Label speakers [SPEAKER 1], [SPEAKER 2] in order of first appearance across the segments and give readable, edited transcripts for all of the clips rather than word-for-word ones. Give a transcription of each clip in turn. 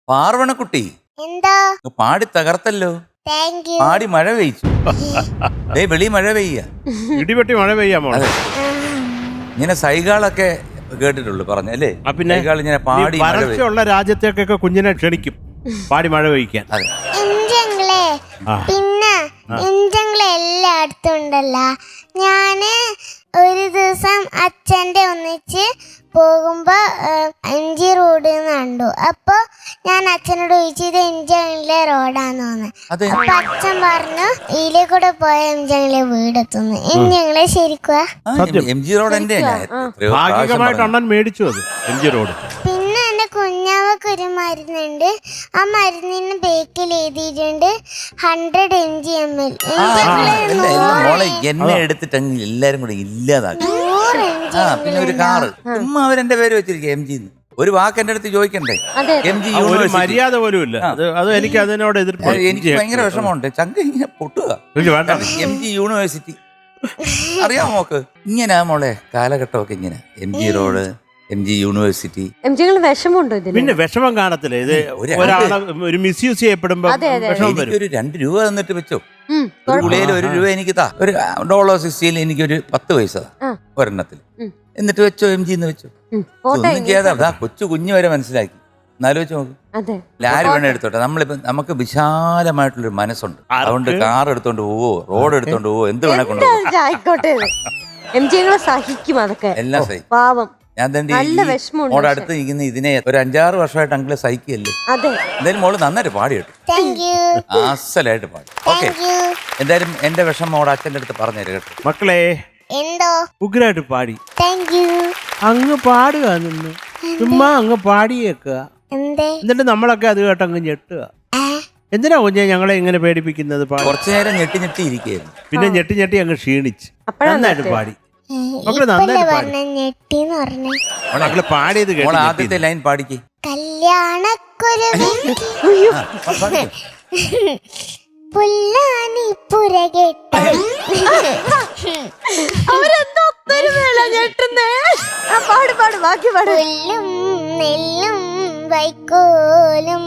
[SPEAKER 1] പാർവണക്കുട്ടി
[SPEAKER 2] എന്താ
[SPEAKER 1] പാടി തകർത്തല്ലോ.
[SPEAKER 2] Thank you.
[SPEAKER 1] പാടി മഴ പെയ്ച്ചു. വെളി മഴ പെയ്യ,
[SPEAKER 3] ഇടിപെട്ടി മഴ പെയ്യാമോ?
[SPEAKER 1] ഇങ്ങനെ സൈഗാളൊക്കെ കേട്ടിട്ടുള്ളു പറഞ്ഞല്ലേ.
[SPEAKER 3] പിന്നെ
[SPEAKER 1] ഇങ്ങനെ പാടി
[SPEAKER 3] വരൾച്ചയുള്ള രാജ്യത്തേക്കൊക്കെ കുഞ്ഞിനെ ക്ഷണിക്കും പാടി മഴ പെയ്ക്കാൻ.
[SPEAKER 2] എഞ്ചങ്ങളെ പിന്നെ എഞ്ചങ്ങളെ എല്ലായിടത്തും ഉണ്ടല്ലോ. ഞാന് ഒരു ദിവസം അച്ഛൻ്റെ ഒന്നിച്ച് പോകുമ്പോ MG റോഡ് കണ്ടു. അപ്പൊ ഞാൻ അച്ഛനോട് ചോദിച്ചു ഇത് എഞ്ചങ്ങളിലെ റോഡാന്ന് തോന്നുന്നു. അപ്പൊ അച്ഛൻ പറഞ്ഞു ഇതിലെ കൂടെ പോയ എഞ്ചങ്ങളിലെ വീടെത്തുന്നു. എഞ്ചങ്ങളെ ശരിക്കുവാ
[SPEAKER 1] MG റോഡ് എന്റെ
[SPEAKER 3] ഭാഗികമായിട്ട് അണ്ണൻ മേടിച്ചു അത് MG റോഡ്.
[SPEAKER 2] പിന്നെ എന്റെ കുഞ്ഞാവക്ക് ഒരു മരുന്നുണ്ട്. ആ മരുന്നിന് ബേക്കിൽ എഴുതിയിട്ടുണ്ട് 100 mg/ml.
[SPEAKER 1] മോളെ എന്നെ എടുത്തിട്ട് എല്ലാരും കൂടെ ഇല്ലാതാക്കി. പിന്നെ ഒരു കാറ് ചുമ്മാ അവരെന്റെ പേര് വെച്ചിരിക്കുക MG. ഒരു വാക്ക് എന്റെ അടുത്ത് ചോദിക്കണ്ടേ? MG യൂണിവേഴ്സിറ്റി
[SPEAKER 3] മര്യാദ പോലും ഇല്ല. അത് എനിക്ക് അതിനോട് എതിർപ്പ്.
[SPEAKER 1] എനിക്ക് ഭയങ്കര വിഷമമുണ്ട്. ചങ്ക ഇങ്ങനെ പൊട്ടുക. MG യൂണിവേഴ്സിറ്റി അറിയാമോ നോക്ക്. ഇങ്ങനെ മോളെ കാലഘട്ടമൊക്കെ ഇങ്ങനെ MG റോഡ് MG യൂണിവേഴ്സിറ്റി.
[SPEAKER 4] വിഷമമുണ്ടോ ഇതിന്?
[SPEAKER 3] പിന്നെ വിഷമം കാണത്തില്ല. ഇത് ഒരാളെ ഒരു മിസ്യൂസ് ചെയ്യപ്പെടുമ്പോ
[SPEAKER 1] എനിക്കൊരു 2 രൂപ തന്നിട്ട് വെച്ചോ. ഗുളികയിൽ 1 രൂപ എനിക്ക് താ. ഒരു $60 എനിക്കൊരു 10 പൈസ ഒരെണ്ണത്തിൽ. എന്നിട്ട് വെച്ചോ MG എന്ന് വെച്ചോ. ഒന്നും ചെയ്യാതെ കൊച്ചു കുഞ്ഞു വരെ മനസ്സിലാക്കി. എന്നാലോചിച്ച് നോക്ക്. ആര് വേണേ എടുത്തോട്ടെ. നമ്മളിപ്പോ നമുക്ക് വിശാലമായിട്ടുള്ളൊരു മനസ്സുണ്ട്. അതുകൊണ്ട് കാർ എടുത്തോണ്ട് പോവോ റോഡ് എടുത്തോണ്ട് പോവോ എന്ത് വേണേ കൊണ്ടുപോകും.
[SPEAKER 4] സഹിക്കും അതൊക്കെ
[SPEAKER 1] എല്ലാം സഹിക്കും.
[SPEAKER 4] പാവം.
[SPEAKER 1] ഞാൻ തന്നെ മോടെ അടുത്ത് ഇരിക്കുന്ന ഇതിനെ ഒരു 5-6 വർഷമായിട്ട് അങ്കിളെ സഹിക്കല്ലേ. എന്തായാലും മോള് നന്നായിട്ട് പാടി കേട്ടു. അസലായിട്ട് പാടി. ഓക്കെ, എന്തായാലും എന്റെ വിഷമം മോടെ അച്ഛൻ്റെ അടുത്ത് പറഞ്ഞുതരും കേട്ടോ.
[SPEAKER 3] മക്കളെ
[SPEAKER 2] എന്തോ
[SPEAKER 3] ഉഗ്രായിട്ട് പാടി.
[SPEAKER 2] Thank you.
[SPEAKER 3] അങ്ങ് പാടുക നിന്ന് ചുമ്മാ അങ്ങ് പാടിയേക്കുക. എന്നിട്ട് നമ്മളൊക്കെ അത് കേട്ട് അങ്ങ് ഞെട്ടുക. എന്തിനാ കുഞ്ഞെ ഞങ്ങളെ ഇങ്ങനെ പേടിപ്പിക്കുന്നത്?
[SPEAKER 1] കുറച്ചു നേരം ഞെട്ടി ഞെട്ടി ഇരിക്കുകയായിരുന്നു.
[SPEAKER 3] പിന്നെ ഞെട്ടി ഞെട്ടി അങ്ങ് ക്ഷീണിച്ച് നന്നായിട്ട് പാടി. മക്കള് നന്നായിട്ട് പാടിയത് കേട്ടോ.
[SPEAKER 1] ആദ്യത്തെ ലൈൻ പാടിക്ക്.
[SPEAKER 2] കല്യാണക്കുരുവി പുല്ലാനി പുരകെട്ട പുല്ലും നെല്ലും വൈക്കോലും.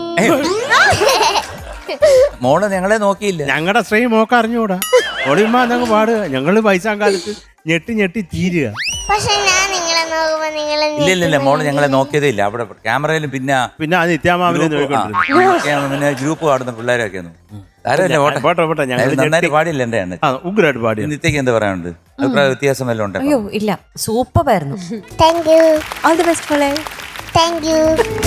[SPEAKER 1] മോള് ഞങ്ങളെ നോക്കിയില്ല.
[SPEAKER 3] ഞങ്ങളുടെ ശ്രീ മോക്ക് അറിഞ്ഞൂടാ. ഒളിമ്മ അതങ്ങ് പാടുക. ഞങ്ങള് വയസ്സാം കാലത്ത് ഞെട്ടി ഞെട്ടി തീരുക.
[SPEAKER 2] പക്ഷെ ഞാൻ നിങ്ങളെ നോക്കുമ്പോ
[SPEAKER 1] ഇല്ല മോള് ഞങ്ങളെ നോക്കിയതേ ഇല്ല. അവിടെ ക്യാമറയിലും പിന്നെ
[SPEAKER 3] നിത്യാമാവിനെ
[SPEAKER 1] പിന്നെ ഗ്രൂപ്പ് പാടുന്ന പിള്ളേരൊക്കെ നന്നായിട്ട് പാടില്ല. എന്റെ
[SPEAKER 3] ഉഗ്രായിട്ട് പാടി.
[SPEAKER 1] നിത്യക്ക് എന്താ പറയാനുണ്ട്? അഭിപ്രായ വ്യത്യാസം വല്ലതും ഉണ്ടോ?
[SPEAKER 4] അയ്യോ ഇല്ല, സൂപ്പർ ആയിരുന്നു.
[SPEAKER 2] Thank you.
[SPEAKER 4] All the best ഫോളേ.
[SPEAKER 2] Thank you.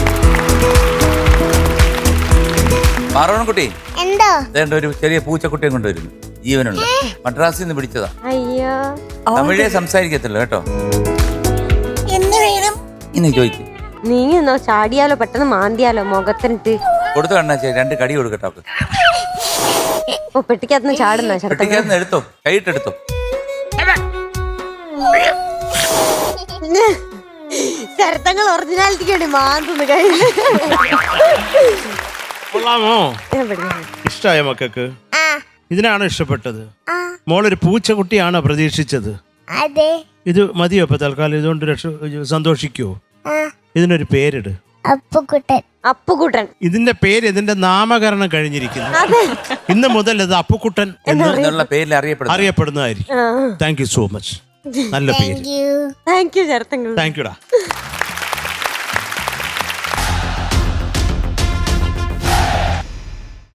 [SPEAKER 1] പാർവണക്കുട്ടി
[SPEAKER 2] എന്തോ
[SPEAKER 1] ഒരു ചെറിയ പൂച്ചക്കുട്ടിയെ കൊണ്ടുവരുന്നു. ജീവനുള്ള മദ്രാസിൽ നിന്ന് പിടിച്ചതാ.
[SPEAKER 4] അയ്യോ,
[SPEAKER 1] തമിഴേ സംസാരിക്കത്തില്ല കേട്ടോ. ഇനി ചോദിക്കും.
[SPEAKER 4] നീങ്ങോ ചാടിയാലോ പെട്ടെന്ന് മാന്തിയാലോ മുഖത്തിനിട്ട്
[SPEAKER 1] കൊടുത്തു കണ്ണാ. 2 കടി കൊടുക്കട്ടോ.
[SPEAKER 4] ഓ പെട്ടിക്കകത്തുനിന്ന് ചാടുന്ന
[SPEAKER 1] പെട്ടിക്കകത്തുനിന്ന് എടുത്തോ, കൈയിട്ടെടുത്തോ.
[SPEAKER 4] ശരത്തങ്ങൾ ഒറിജിനാലിറ്റിക്ക് വേണ്ടി മാന്തുന്നു കയ്യില്.
[SPEAKER 3] കൊള്ളാമോ? ഇഷ്ടായ മക്കൾക്ക്? ഇതിനാണ് ഇഷ്ടപ്പെട്ടത്? മോളൊരു പൂച്ചക്കുട്ടിയാണോ പ്രതീക്ഷിച്ചത്?
[SPEAKER 2] അതെ.
[SPEAKER 3] ഇത് മതിയോ ഇപ്പൊ തൽക്കാലം? ഇതുകൊണ്ട് സന്തോഷിക്കുവോ? ഇതിനൊരു പേരിട്.
[SPEAKER 2] അപ്പുക്കുട്ടൻ.
[SPEAKER 4] അപ്പുക്കുട്ടൻ.
[SPEAKER 3] ഇതിന്റെ പേര് ഇതിന്റെ നാമകരണം കഴിഞ്ഞിരിക്കുന്നു. ഇന്ന് മുതൽ ഇത് അപ്പുക്കുട്ടൻ എന്നുള്ള
[SPEAKER 1] പേരിൽ
[SPEAKER 3] അറിയപ്പെടുന്നതായിരിക്കും. Thank you so much. നല്ല പേര്.
[SPEAKER 4] താങ്ക് യു ശരത്തങ്ങൾ.
[SPEAKER 3] താങ്ക് യുടാ.